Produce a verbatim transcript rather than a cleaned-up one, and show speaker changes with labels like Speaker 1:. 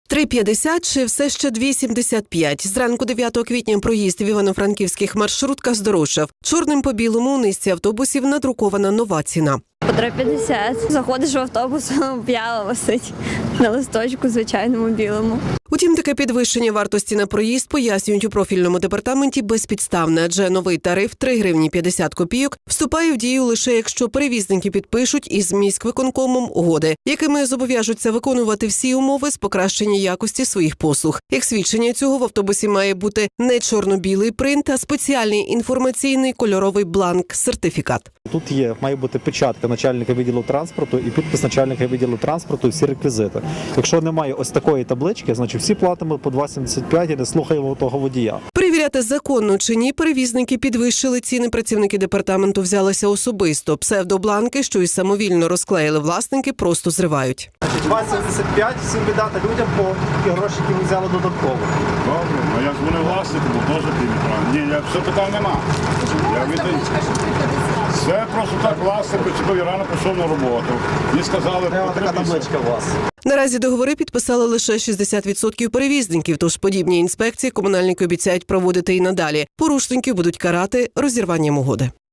Speaker 1: три п'ятдесят чи все ще дві сімдесят п'ять. Зранку дев'ятого квітня проїзд в івано-франківських маршрутках здорожчав. Чорним по білому у низці автобусів надрукована нова ціна.
Speaker 2: По три п'ятдесят. Заходиш в автобус, п'яла висить на листочку звичайному білому.
Speaker 1: Утім, таке підвищення вартості на проїзд пояснюють у профільному департаменті безпідставне, адже новий тариф три гривні п'ятдесят копійок вступає в дію лише якщо перевізники підпишуть із міськвиконкомом угоди, якими зобов'яжуться виконувати всі умови з покращення якості своїх послуг. Як свідчення цього в автобусі має бути не чорно-білий принт, а спеціальний інформаційний кольоровий бланк-сертифікат.
Speaker 3: Тут є, має бути печатка начальника відділу транспорту і підпис начальника відділу транспорту і всі реквізити. Якщо немає ось такої таблички, значить всі платимо по два сімдесят п'ять і не слухаємо того водія.
Speaker 1: Перевіряти законно чи ні перевізники підвищили ціни, працівники департаменту взялися особисто. Псевдобланки, що й самовільно розклеїли власники, просто зривають.
Speaker 3: два сімдесят п'ять всім віддати людям по ті гроші, які ми взяли додатково.
Speaker 4: Добре, а як вони власники, бо теж півмітра. Ні, я все питань нема. Я віддаю. Це просто так власник, почекав, я рано пішов на роботу. Мені сказали,
Speaker 3: Треба така табличка у вас.
Speaker 1: Наразі договори підписали лише шістдесят відсотків перевізників, тож подібні інспекції комунальники обіцяють проводити і надалі. Порушників будуть карати розірванням угоди.